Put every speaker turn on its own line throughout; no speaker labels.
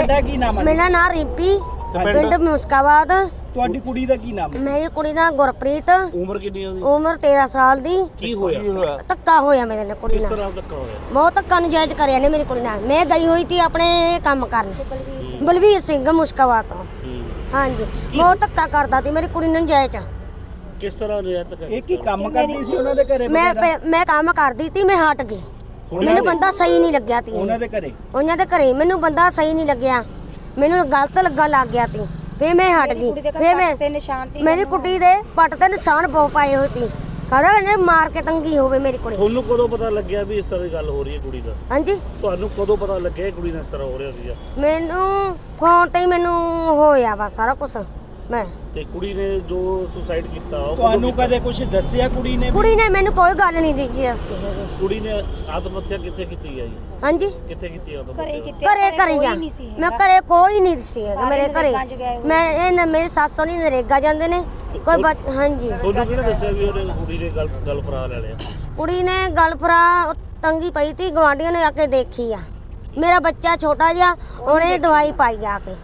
ਤੁਹਾਡਾ ਕੀ ਨਾਮ ਹੈ?
ਮੇਰਾ ਨਾਮ ਰਿੰਪੀ, ਪਿੰਡ ਮੁਸਕਾਬਾਦ।
ਤੁਹਾਡੀ ਕੁੜੀ ਦਾ ਕੀ ਨਾਮ ਹੈ?
ਮੇਰੀ ਕੁੜੀ ਦਾ ਗੁਰਪ੍ਰੀਤ।
ਉਮਰ ਕਿੰਨੀ ਹੈ ਉਹਦੀ?
ਉਮਰ 13 ਸਾਲ ਦੀ।
ਕੀ ਹੋਇਆ?
ਧੱਕਾ ਹੋਇਆ ਮੇਰੇ ਨਾਲ ਕੁੜੀ
ਕਿਸ
ਨਾਲ।
ਤਰ੍ਹਾਂ ਧੱਕਾ ਹੋਇਆ?
ਬਹੁਤ ਧੱਕਾ ਨਜਾਇਜ਼ ਕਰਿਆ ਨੇ ਮੇਰੀ ਕੁੜੀ ਨਾਲ। ਮੈਂ ਗਈ ਹੋਈ ਸੀ ਆਪਣੇ ਕੰਮ ਕਰਨ, ਬਲਵੀਰ ਸਿੰਘ ਮੁਸਕਾਬਾਦ ਤੋਂ। ਹਾਂਜੀ, ਬਹੁਤ ਧੱਕਾ ਕਰਦਾ ਸੀ ਮੇਰੀ ਕੁੜੀ ਨੂੰ ਨਜਾਇਜ਼।
ਕਿਸ ਤਰ੍ਹਾਂ ਨਜਾਇਜ਼ ਧੱਕਾ?
ਇਹ ਕੀ ਕੰਮ ਕਰਦੀ ਸੀ ਉਹਨਾਂ ਦੇ ਘਰੇ?
ਮੈਂ ਕੰਮ ਕਰਦੀ ਸੀ, ਮੈਂ ਹਟ ਗਈ। ਮੈਨੂੰ ਬੰਦਾ ਸਹੀ ਨਹੀਂ ਲੱਗਿਆ ਤੀ।
ਉਹਨਾਂ ਦੇ ਘਰੇ?
ਉਹਨਾਂ ਦੇ ਘਰੇ ਮੈਨੂੰ ਬੰਦਾ ਸਹੀ ਨਹੀਂ ਲੱਗਿਆ, ਮੈਨੂੰ ਗਲਤ ਲੱਗਣ ਲੱਗ ਗਿਆ ਤੀ। ਫੇ ਮੈਂ ਹਟ ਗਈ। ਫੇ ਮੇਰੀ ਕੁੜੀ ਦੇ ਪੱਟ ਤੇ ਨਿਸ਼ਾਨ ਬਹੁਤ ਪਾਏ ਹੋਏ ਸੀ। ਖਰਾ ਇਹਨੇ ਮਾਰ ਕੇ ਤੰਗੀ ਹੋਵੇ ਮੇਰੀ ਕੁੜੀ।
ਤੁਹਾਨੂੰ ਕਦੋਂ ਪਤਾ ਲੱਗਿਆ ਵੀ ਇਸ ਤਰ੍ਹਾਂ ਦੀ ਗੱਲ ਹੋ ਰਹੀ ਹੈ ਕੁੜੀ ਦਾ?
ਹਾਂਜੀ,
ਤੁਹਾਨੂੰ ਕਦੋਂ ਪਤਾ ਲੱਗਿਆ ਕੁੜੀ ਨਾਲ ਇਸ ਤਰ੍ਹਾਂ ਹੋ ਰਿਹਾ ਸੀਗਾ?
ਮੈਨੂੰ ਫੋਨ ਤੇ ਹੀ ਮੈਨੂੰ ਹੋਇਆ ਵਾ ਸਾਰਾ ਕੁਝ। ਮੈਂ
ਤੇ ਕੁੜੀ ਨੇ ਜੋ ਸੁਸਾਈਡ ਕੀਤਾ ਉਹ
ਤੁਹਾਨੂੰ ਕਦੇ ਕੁਝ ਦੱਸਿਆ ਕੁੜੀ ਨੇ?
ਕੁੜੀ ਨੇ ਮੈਨੂੰ ਕੋਈ ਗੱਲ ਨਹੀਂ ਦਿੱਤੀ ਅਸੀਂ।
ਕੁੜੀ ਨੇ ਆਤਮ ਹੱਤਿਆ ਕਿੱਥੇ ਕੀਤੀ ਹੈ ਜੀ?
ਹਾਂਜੀ,
ਕਿੱਥੇ ਕੀਤੀ ਆਤਮ
ਘਰੇ ਕਰੀ ਆ। ਮੈਂ ਘਰੇ ਕੋਈ ਨਹੀਂ ਸੀ ਮੇਰੇ ਘਰੇ। ਮੈਂ ਇਹ ਮੇਰੀ ਸੱਸ ਨਹੀਂ ਨਰੇਗਾ ਜਾਂਦੇ ਨੇ ਕੋਈ। ਹਾਂਜੀ,
ਤੁਹਾਨੂੰ ਕਿਹਨੇ ਦੱਸਿਆ ਵੀ ਉਹਨੇ ਕੁੜੀ ਨੇ ਗੱਲ ਫਰਾ ਲੈ ਲਿਆ?
ਕੁੜੀ ਨੇ ਗੱਲ ਫਰਾ ਤੰਗੀ ਪਈ ਤੀ, ਗਵਾਂਢੀਆਂ ਨੇ ਆ ਕੇ ਦੇਖੀ ਆ। ਮੇਰਾ ਬੱਚਾ ਛੋਟਾ ਜਿਹਾ, ਉਹਨੇ ਦਵਾਈ ਪਾਈ ਆ ਕੇ।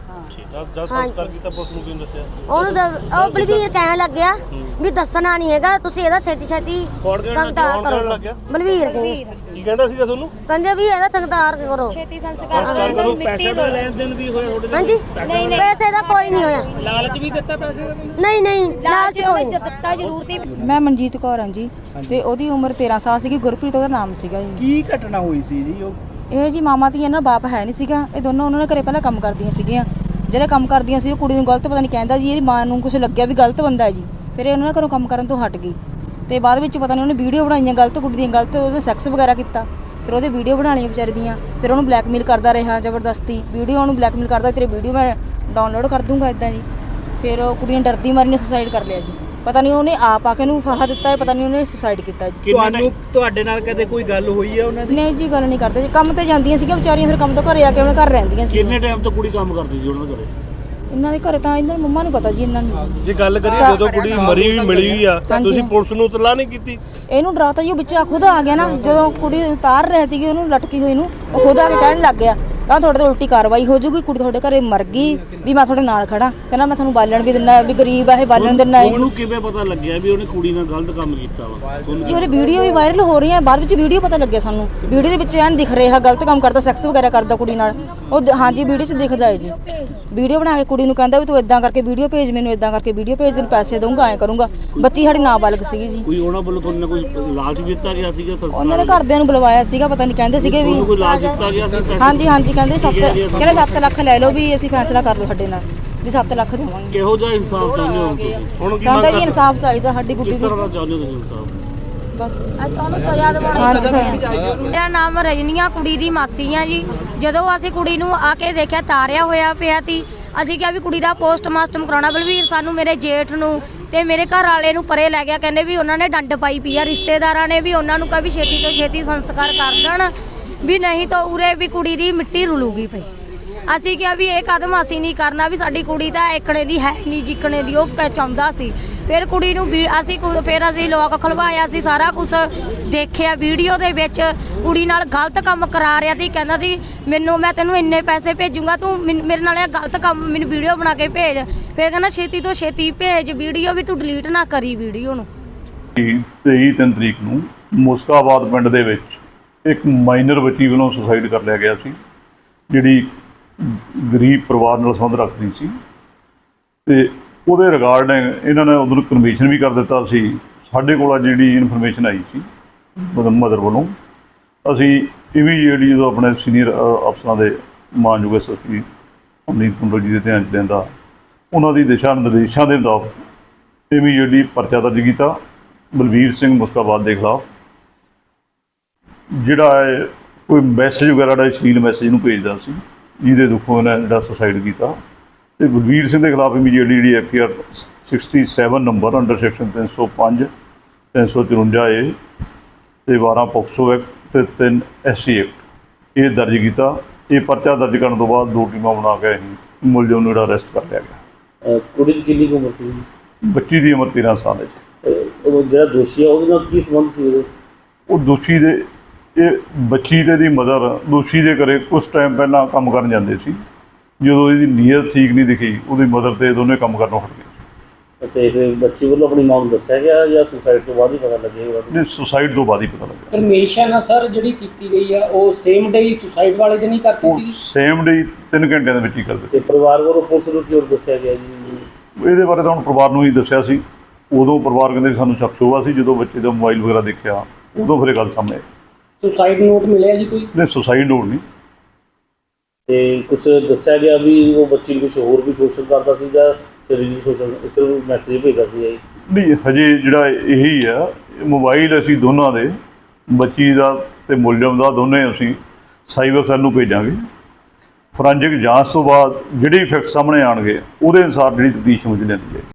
ਉਹਨੂੰ ਬਲਵੀਰ ਕਹਿਣ ਲੱਗਿਆ ਵੀ ਦੱਸਣਾ ਨਹੀਂ ਹੈਗਾ, ਤੁਸੀਂ ਇਹਦਾ ਛੇਤੀ ਸੰਸਕਾਰ ਕਰੋ। ਬਲਵੀਰ ਸਿੰਘ
ਕੀ ਕਹਿੰਦਾ ਸੀਗਾ ਤੁਹਾਨੂੰ?
ਕਹਿੰਦੇ ਵੀ ਇਹਦਾ ਸੰਸਕਾਰ ਕਰੋ,
ਛੇਤੀ ਸੰਸਕਾਰ ਕਰੋ।
ਪੈਸੇ ਦਾ ਲੈਣ ਦੇਣ ਵੀ ਹੋਇਆ ਤੁਹਾਡੇ ਨਾਲ?
ਹਾਂਜੀ, ਨਹੀਂ ਪੈਸੇ ਦਾ ਕੋਈ ਨਹੀਂ ਹੋਇਆ।
ਲਾਲਚ ਵੀ ਦਿੱਤਾ ਪੈਸੇ ਦਾ?
ਨਹੀਂ ਲਾਲਚ ਕੋਈ ਨਹੀਂ
ਦਿੱਤਾ ਜ਼ਰੂਰ ਤੀ।
ਮੈਂ ਮਨਜੀਤ ਕੌਰ ਹਾਂ ਜੀ, ਤੇ ਉਹਦੀ ਉਮਰ 13 ਸਾਲ ਸੀਗੀ। ਗੁਰਪ੍ਰੀਤ ਉਹਦਾ ਨਾਮ ਸੀਗਾ ਜੀ।
ਕੀ ਘਟਨਾ ਹੋਈ ਸੀ ਜੀ?
ਇਹ ਜੀ ਮਾਮਾ ਧੀਆਂ ਨਾਲ ਬਾਪ ਹੈ ਨਹੀਂ ਸੀਗਾ। ਇਹ ਦੋਨੋਂ ਉਹਨਾਂ ਨੇ ਘਰੇ ਪਹਿਲਾਂ ਕੰਮ ਕਰਦੀਆਂ ਸੀਗੀਆਂ। ਜਿਹੜੇ ਕੰਮ ਕਰਦੀਆਂ ਸੀ ਉਹ ਕੁੜੀ ਨੂੰ ਗਲਤ ਪਤਾ ਨਹੀਂ ਕਹਿੰਦਾ ਜੀ, ਇਹਦੀ ਮਾਂ ਨੂੰ ਕੁਝ ਲੱਗਿਆ ਵੀ ਗਲਤ ਬੰਦਾ ਹੈ ਜੀ। ਫਿਰ ਇਹ ਉਹਨਾਂ ਨੇ ਘਰੋਂ ਕੰਮ ਕਰਨ ਤੋਂ ਹਟ ਗਈ ਤੇ ਬਾਅਦ ਵਿੱਚ ਪਤਾ ਨਹੀਂ ਉਹਨੇ ਵੀਡੀਓ ਬਣਾਈਆਂ ਗਲਤ ਕੁੜੀ ਦੀਆਂ, ਗਲਤ ਉਹਦੇ ਸੈਕਸ ਵਗੈਰਾ ਕੀਤਾ। ਫਿਰ ਉਹਦੇ ਵੀਡੀਓ ਬਣਾਉਣੀਆਂ ਵਿਚਾਰੀ ਦੀਆਂ। ਫਿਰ ਉਹਨੂੰ ਬਲੈਕਮੇਲ ਕਰਦਾ ਰਿਹਾ ਜ਼ਬਰਦਸਤੀ। ਵੀਡੀਓ ਉਹਨੂੰ ਬਲੈਕਮੇਲ ਕਰਦਾ, ਤੇਰੇ ਵੀਡੀਓ ਮੈਂ ਡਾਊਨਲੋਡ ਕਰ ਦੂੰਗਾ ਇੱਦਾਂ ਜੀ। ਫਿਰ ਉਹ ਕੁੜੀ ਨੇ ਡਰਦੀ ਮਾਰੀ ਨੇ ਸੁਸਾਈਡ ਕਰ ਲਿਆ ਜੀ। ਪਤਾ ਨਹੀਂ ਉਹਨੇ ਆਪ ਆ ਕੇ ਨੂੰ ਫਾਹਾ ਦਿੱਤਾ ਹੈ, ਪਤਾ ਨਹੀਂ ਉਹਨੇ ਸੁਸਾਈਡ ਕੀਤਾ ਜੀ।
ਤੁਹਾਡੇ ਨਾਲ ਕਦੇ ਕੋਈ ਗੱਲ ਹੋਈ ਹੈ ਉਹਨਾਂ ਦੀ?
ਨਹੀਂ ਜੀ, ਗੱਲ ਨਹੀਂ ਕਰਦੇ ਜੀ। ਕੰਮ ਤੇ ਜਾਂਦੀਆਂ ਸੀਗੀਆਂ ਵਿਚਾਰੀਆਂ, ਫਿਰ ਕੰਮ ਤੋਂ ਘਰੇ ਆ ਕੇ ਉਹਨਾਂ ਘਰ ਰਹਿੰਦੀਆਂ ਸੀ।
ਕਿੰਨੇ ਟਾਈਮ ਤੋਂ ਕੁੜੀ ਕੰਮ ਕਰਦੀ ਸੀ ਉਹਨਾਂ ਦੇ ਘਰੇ?
ਇਹਨਾਂ ਦੇ ਘਰੇ ਤਾਂ ਇਹਨਾਂ ਦੀ ਮੰਮਾ ਨੂੰ ਪਤਾ ਜੀ। ਇਹਨਾਂ ਨੂੰ
ਜੇ ਗੱਲ ਕਰੀਏ ਜਦੋਂ ਕੁੜੀ ਮਰੀ ਵੀ ਮਿਲੀ ਹੋਈ ਆ, ਤੁਸੀਂ ਪੁਲਿਸ ਨੂੰ ਇਤਲਾਹ ਨਹੀਂ ਕੀਤੀ?
ਇਹਨੂੰ ਡਰਾਤਾ ਜੀ। ਉਹ ਬੱਚਾ ਖੁਦ ਆ ਗਿਆ ਨਾ, ਜਦੋਂ ਕੁੜੀ ਉਤਾਰ ਰਹੀ ਸੀਗੀ ਉਹਨੂੰ ਲਟਕੀ ਹੋਈ ਨੂੰ, ਉਹ ਖੁਦ ਆ ਕੇ ਕਹਿਣ ਲੱਗ ਗਿਆ ਕਹਿੰਦਾ ਤੁਹਾਡੇ ਤੇ ਉਲਟੀ ਕਾਰਵਾਈ ਹੋ ਜਾਊਗੀ, ਕੁੜੀ ਤੁਹਾਡੇ ਘਰੇ ਮਰ ਗਈ, ਵੀ ਮੈਂ ਤੁਹਾਡੇ ਨਾਲ ਖੜਾ। ਕਹਿੰਦਾ ਮੈਂ ਤੁਹਾਨੂੰ ਬਾਲਣ ਵੀ ਦਿੰਦਾ, ਵੀ ਗਰੀਬ ਆ ਇਹ ਬਾਲਣ ਦਿੰਦਾ।
ਉਹਨੂੰ ਕਿਵੇਂ ਪਤਾ ਲੱਗਿਆ ਵੀ ਉਹਨੇ ਕੁੜੀ ਨਾਲ ਗਲਤ ਕੰਮ ਕੀਤਾ ਵਾ?
ਜੀ ਉਹਦੀ ਵੀਡੀਓ ਵੀ ਵਾਇਰਲ ਹੋ ਰਹੀ ਹੈ, ਬਾਅਦ ਵਿੱਚ ਵੀਡੀਓ ਪਤਾ ਲੱਗਿਆ ਸਾਨੂੰ। ਵੀਡੀਓ ਦੇ ਵਿੱਚ ਐਨ ਦਿਖ ਰਿਹਾ ਗਲਤ ਕੰਮ ਕਰਦਾ, ਸੈਕਸ ਵਗੈਰਾ ਕਰਦਾ ਕੁੜੀ ਨਾਲ। ਉਹ ਹਾਂਜੀ ਵੀਡੀਓ 'ਚ ਦਿਖਦਾ ਹੈ ਜੀ। ਵੀਡੀਓ ਬਣਾ ਕੇ ਕੁੜੀ ਨੂੰ ਕਹਿੰਦਾ ਵੀ ਤੂੰ ਇਦਾਂ ਕਰਕੇ ਵੀਡੀਓ ਭੇਜ, ਮੈਨੂੰ ਇਦਾਂ ਕਰਕੇ ਵੀਡੀਓ ਭੇਜ, ਤੈਨੂੰ ਪੈਸੇ ਦਊਂਗਾ, ਐਂ ਕਰੂੰਗਾ। ਬੱਚੀ ਸਾਡੀ ਨਾਬਾਲਗ ਸੀਗੀ ਜੀ।
ਕੋਈ ਉਹਨਾਂ ਵੱਲੋਂ ਤੁਹਾਨੂੰ ਕੋਈ ਲਾਲਚ ਵੀ ਦਿੱਤਾ ਗਿਆ ਸੀਗਾ?
ਉਹਨਾਂ ਦੇ ਘਰਦਿਆਂ ਨੂੰ ਬੁਲਵਾਇਆ ਸੀਗਾ, ਪਤਾ ਨਹੀਂ ਕਹਿੰਦੇ ਸੀਗੇ ਵੀ
ਕੋਈ ਲਾਲਚ ਦਿੱਤਾ ਗਿਆ ਸੀ?
ਹਾਂਜੀ ਕਹਿੰਦੇ 7 ਲੱਖ ਲੈ ਲਓ, ਵੀ ਅਸੀਂ ਫੈਸਲਾ ਕਰ ਲਓ ਸਾਡੇ ਨਾਲ, ਵੀ 7 ਲੱਖ ਦੇਵਾਂਗੇ।
ਕਿਹੋ ਜਿਹਾ ਇਨਸਾਫ ਚਾਹੁੰਦੇ ਹੋ ਤੁਸੀਂ?
ਹੁਣ ਕੀ
ਸਾਨੂੰ ਤਾਂ ਜੀ ਇਨਸਾਫ ਚਾਹੀਦਾ ਸਾਡੀ ਗੁੱਡੀ
ਕਿਸ
ਦੀ।
ਤਰ੍ਹਾਂ ਦਾ ਚਾਹੁੰਦੇ ਹੋ ਤੁਸੀਂ ਇਨਸਾਫ?
ਬਸ
ਤੁਹਾਨੂੰ ਸਜ਼ਾ ਦਿਵਾਉਣੀ।
ਮੇਰਾ ਨਾਮ ਰਜਨੀਆ, ਕੁੜੀ ਦੀ ਮਾਸੀ ਆ ਜੀ। ਜਦੋਂ ਅਸੀਂ ਕੁੜੀ ਨੂੰ ਆ ਕੇ ਦੇਖਿਆ ਤਾਰਿਆ ਹੋਇਆ ਪਿਆ ਤੀ, ਅਸੀਂ ਕਿਹਾ ਵੀ ਕੁੜੀ ਦਾ ਪੋਸਟਮਾਸਟਰ ਕਰਾਉਣਾ। ਬਲਵੀਰ ਸਾਨੂੰ ਮੇਰੇ ਜੇਠ ਨੂੰ ਤੇ ਮੇਰੇ ਘਰ ਵਾਲੇ ਨੂੰ ਪਰੇ ਲੈ ਗਿਆ। ਕਹਿੰਦੇ ਵੀ ਉਹਨਾਂ ਨੇ ਡੰਡ ਪਾਈ ਪਈ ਆ, ਰਿਸ਼ਤੇਦਾਰਾਂ ਨੇ ਵੀ ਉਹਨਾਂ ਨੂੰ ਕਿਹਾ ਵੀ ਛੇਤੀ ਤੋਂ ਛੇਤੀ ਸੰਸਕਾਰ ਕਰ ਦੇਣ, ਵੀ ਨਹੀਂ ਤਾਂ ਉਰੇ ਵੀ ਕੁੜੀ ਦੀ ਮਿੱਟੀ ਰੁਲੂਗੀ ਪਈ। ਅਸੀਂ ਕਿਹਾ ਵੀ ਇਹ ਕਦਮ ਅਸੀਂ ਨਹੀਂ ਕਰਨਾ, ਵੀ ਸਾਡੀ ਕੁੜੀ ਤਾਂ ਏਕਣੇ ਦੀ ਹੈ ਨਹੀਂ ਜਿੱਕਣੇ ਦੀ ਉਹ ਚਾਹੁੰਦਾ ਸੀ। ਫਿਰ ਕੁੜੀ ਨੂੰ ਅਸੀਂ ਲੋਕ ਖਲਵਾਇਆ ਸੀ, ਸਾਰਾ ਕੁਝ ਦੇਖਿਆ ਵੀਡੀਓ ਦੇ ਵਿੱਚ। ਕੁੜੀ ਨਾਲ ਗਲਤ ਕੰਮ ਕਰਾ ਰਿਹਾ ਸੀ, ਕਹਿੰਦਾ ਸੀ ਮੈਂ ਤੈਨੂੰ ਇੰਨੇ ਪੈਸੇ ਭੇਜੂੰਗਾ, ਤੂੰ ਮੇਰੇ ਨਾਲ ਇਹ ਗਲਤ ਕੰਮ ਮੈਨੂੰ ਵੀਡੀਓ ਬਣਾ ਕੇ ਭੇਜ। ਫਿਰ ਕਹਿੰਦਾ ਛੇਤੀ ਤੋਂ ਛੇਤੀ ਭੇਜ ਵੀਡੀਓ, ਵੀ ਤੂੰ ਡਿਲੀਟ ਨਾ ਕਰੀ ਵੀਡੀਓ ਨੂੰ।
23 ਤਰੀਕ ਨੂੰ ਮੁਸਕਾਬਾਦ ਪਿੰਡ ਦੇ ਵਿੱਚ ਇੱਕ ਮਾਈਨਰ ਬੱਚੀ ਵੱਲੋਂ ਸੁਸਾਈਡ ਕਰ ਲਿਆ ਗਿਆ ਸੀ, ਜਿਹੜੀ ਗਰੀਬ ਪਰਿਵਾਰ ਨਾਲ ਸੰਬੰਧ ਰੱਖਦੀ ਸੀ। ਤੇ ਉਹਦੇ ਰਿਗਾਰਡਿੰਗ ਇਹਨਾਂ ਨੇ ਉਦੋਂ ਕਨਵੀਸ਼ਨ ਵੀ ਕਰ ਦਿੱਤਾ ਸੀ। ਸਾਡੇ ਕੋਲ ਜਿਹੜੀ ਇਨਫੋਰਮੇਸ਼ਨ ਆਈ ਸੀ ਮਦਰ ਵੱਲੋਂ, ਅਸੀਂ ਇਮੀਡੀਏਟਲੀ ਜਦੋਂ ਆਪਣੇ ਸੀਨੀਅਰ ਅਫਸਰਾਂ ਦੇ ਮਾਨਯੋਗ ਐਸਐਸਪੀ ਅਮਨੀਤ ਕੁੰਡਲ ਜੀ ਦੇ ਧਿਆਨ 'ਚ ਲੈਂਦਾ, ਉਹਨਾਂ ਦੀ ਦਿਸ਼ਾ ਨਿਰਦੇਸ਼ਾਂ ਦੇ ਮੁਤਾਬਕ ਇਮੀਡੀਏਟਲੀ ਪਰਚਾ ਦਰਜ ਕੀਤਾ ਬਲਵੀਰ ਸਿੰਘ ਮੁਸਕਾਬਾਦ ਦੇ ਖਿਲਾਫ, ਜਿਹੜਾ ਹੈ ਕੋਈ ਮੈਸੇਜ ਵਗੈਰਾ ਦਾ ਅਸ਼ਲੀਲ ਮੈਸੇਜ ਨੂੰ ਭੇਜਦਾ ਸੀ, ਜਿਹਦੇ ਦੁੱਖੋਂ ਇਹਨਾਂ ਜਿਹੜਾ ਸੁਸਾਈਡ ਕੀਤਾ। ਤੇ ਬਲਵੀਰ ਸਿੰਘ ਦੇ ਖਿਲਾਫ ਇਮੀਡੀਏਟਲੀ ਜਿਹੜੀ FIR 67 number under section 305 354A ਤੇ 12 ਪੋਕਸੋ ਐਕਟ ਤੇ 3 SC ਐਕਟ ਇਹ ਦਰਜ ਕੀਤਾ। ਇਹ ਪਰਚਾ ਦਰਜ ਕਰਨ ਤੋਂ ਬਾਅਦ 2 ਟੀਮਾਂ ਬਣਾ ਕੇ ਅਸੀਂ ਮੁਲਜ਼ਮ ਨੂੰ ਜਿਹੜਾ ਅਰੈਸਟ ਕਰ ਲਿਆ ਗਿਆ।
ਕੁੜੀ ਦੀ ਕਿੰਨੀ ਉਮਰ ਸੀ?
ਬੱਚੀ ਦੀ ਉਮਰ 13 ਸਾਲ ਹੈ ਜੀ।
ਉਹ ਜਿਹੜਾ ਦੋਸ਼ੀ ਆ ਉਹਦੇ ਨਾਲ ਕੀ ਸੰਬੰਧ ਸੀ ਉਹਦੇ?
ਉਹ ਦੋਸ਼ੀ ਦੇ ਇਹ ਬੱਚੀ ਤੇ ਦੀ ਮਦਰ ਦੋਸ਼ੀ ਦੇ ਘਰੇ ਕੁਛ ਟਾਈਮ ਪਹਿਲਾਂ ਕੰਮ ਕਰਨ ਜਾਂਦੇ ਸੀ। ਜਦੋਂ ਇਹਦੀ ਨੀਅਤ ਠੀਕ ਨਹੀਂ ਦਿਖੀ, ਉਹਦੀ ਮਦਰ ਤੇ ਦੋਨੇ ਕੰਮ ਕਰਨੋਂ ਹਟ ਗਏ।
ਤੇ ਫਿਰ ਬੱਚੀ ਵੱਲੋਂ ਆਪਣੀ ਮਾਂ ਨੂੰ ਦੱਸਿਆ ਗਿਆ ਜਾਂ ਸੁਸਾਈਡ ਤੋਂ ਬਾਅਦ ਹੀ ਪਤਾ ਲੱਗੇਗਾ?
ਨਹੀਂ, ਸੁਸਾਈਡ ਤੋਂ ਬਾਅਦ ਹੀ ਪਤਾ ਲੱਗਿਆ।
ਪਰਮਿਸ਼ਨ ਆ ਸਰ ਜਿਹੜੀ ਕੀਤੀ ਗਈ ਆ ਉਹ ਸੇਮ ਡੇ ਹੀ ਸੁਸਾਈਡ ਵਾਲੇ ਦਿਨ ਹੀ ਕਰਤੀ
ਉਹ
ਸੀ?
ਸੇਮ ਡੇ 3 ਘੰਟਿਆਂ ਦੇ ਵਿੱਚ ਹੀ ਕਰ ਦਿੱਤੇ।
ਤੇ ਪਰਿਵਾਰ ਵੱਲੋਂ ਪੁਲਿਸ ਨੂੰ ਕਿਉਂ ਦੱਸਿਆ ਗਿਆ ਜੀ?
ਇਹਦੇ ਬਾਰੇ ਤਾਂ ਹੁਣ ਪਰਿਵਾਰ ਨੂੰ ਹੀ ਦੱਸਿਆ ਸੀ। ਉਦੋਂ ਪਰਿਵਾਰ ਕਹਿੰਦੇ ਵੀ ਸਾਨੂੰ ਸ਼ੱਕ ਹੋਇਆ ਸੀ, ਜਦੋਂ ਬੱਚੇ ਦਾ ਮੋਬਾਈਲ ਵਗੈਰਾ ਦੇਖਿਆ ਉਦੋਂ ਫਿਰ ਇਹ ਗੱਲ ਸਾਹਮਣੇ ਆਈ।
ਸੁਸਾਈਡ ਨੋਟ ਮਿਲਿਆ ਜੀ ਕੋਈ?
ਨਹੀਂ, ਸੁਸਾਈਡ ਨੋਟ ਨਹੀਂ।
ਤੇ ਕੁਝ ਦੱਸਿਆ ਗਿਆ ਵੀ ਉਹ ਬੱਚੀ ਨੂੰ ਕੁਝ ਹੋਰ ਵੀ ਸ਼ੋਸ਼ਣ ਕਰਦਾ ਸੀ ਜਾਂ ਸਰੀਰਕ ਸ਼ੋਸ਼ਣ, ਇਸ ਨੂੰ ਮੈਸੇਜ ਭੇਜਦਾ ਸੀ ਜੀ?
ਨਹੀਂ, ਹਜੇ ਜਿਹੜਾ ਇਹੀ ਆ, ਮੋਬਾਈਲ ਅਸੀਂ ਦੋਨਾਂ ਦੇ, ਬੱਚੀ ਦਾ ਤੇ ਮੁਲਜ਼ਮ ਦਾ, ਦੋਨੇ ਅਸੀਂ ਸਾਈਬਰ ਸੈੱਲ ਨੂੰ ਭੇਜਾਂਗੇ। ਫੋਰੈਂਸਿਕ ਜਾਂਚ ਤੋਂ ਬਾਅਦ ਜਿਹੜੇ ਫੈਕਟ ਸਾਹਮਣੇ ਆਉਣਗੇ ਉਹਦੇ ਅਨੁਸਾਰ ਜਿਹੜੀ ਤਫਤੀਸ਼ ਮੁੱਝ ਲੈਂਦੀ ਹੈ।